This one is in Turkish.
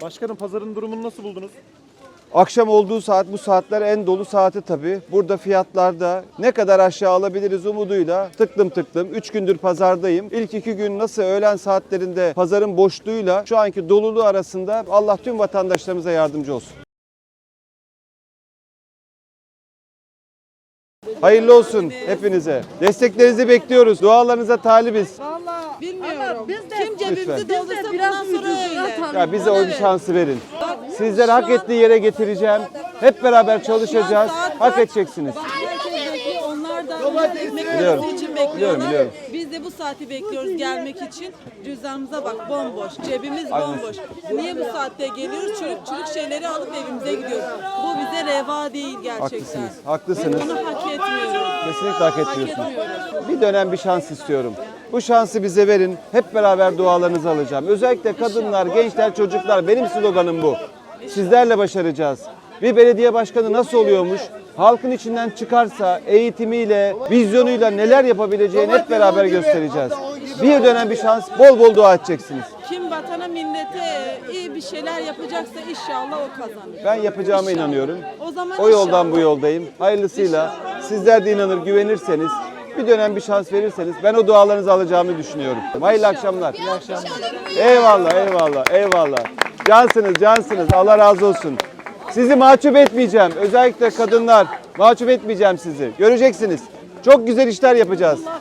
Başkanım pazarın durumunu nasıl buldunuz? Akşam olduğu saat bu saatler en dolu saati tabii. Burada fiyatlarda ne kadar aşağı alabiliriz umuduyla tıklım tıklım. 3 gündür pazardayım. İlk 2 gün nasıl öğlen saatlerinde pazarın boşluğuyla şu anki doluluğu arasında Allah tüm vatandaşlarımıza yardımcı olsun. Hayırlı olsun hepinize. Desteklerinizi bekliyoruz. Dualarınıza talibiz. Vallahi bilmiyorum. Ama biz de- Kim cebimizi Lütfen. doldursa bundan sonra öyle. Ya bize o bir şansı verin. Sizler hak ettiği yere getireceğim. Hep beraber çalışacağız. Hak edeceksiniz. Bak herkes bekliyor. Onlar da ekmek Biliyorum. parası için bekliyorlar. Biliyorum. Biz de bu saati bekliyoruz gelmek için. Cüzdanımıza bak bomboş. Cebimiz bomboş. Niye bu saatte geliyoruz? Çürük şeyleri alıp evimize gidiyoruz. Bu bize reva değil gerçekten. Haklısınız. Haklısınız. Biz bunu hak etmiyoruz. Kesinlikle hak etmiyorsunuz. etmiyoruz. Bir dönem bir şans istiyorum. Bu şansı bize verin. Hep beraber dualarınızı alacağım. Özellikle kadınlar, gençler, çocuklar. Benim sloganım bu. Sizlerle başaracağız. Bir belediye başkanı nasıl oluyormuş? Halkın içinden çıkarsa eğitimiyle, vizyonuyla neler yapabileceğini hep beraber göstereceğiz. Bir dönem bir şans, bol bol dua edeceksiniz. Kim vatana millete iyi bir şeyler yapacaksa inşallah o kazanır. Ben yapacağıma İnşallah. inanıyorum. O zaman O yoldan inşallah. bu yoldayım. Hayırlısıyla sizler de inanır, güvenirseniz, bir dönem bir şans verirseniz ben o dualarınızı alacağımı düşünüyorum. Hayırlı akşamlar. İyi akşamlar. Eyvallah, eyvallah, eyvallah. Cansınız. Allah razı olsun. Sizi mahcup etmeyeceğim. Özellikle kadınlar, mahcup etmeyeceğim sizi. Göreceksiniz. Çok güzel işler yapacağız.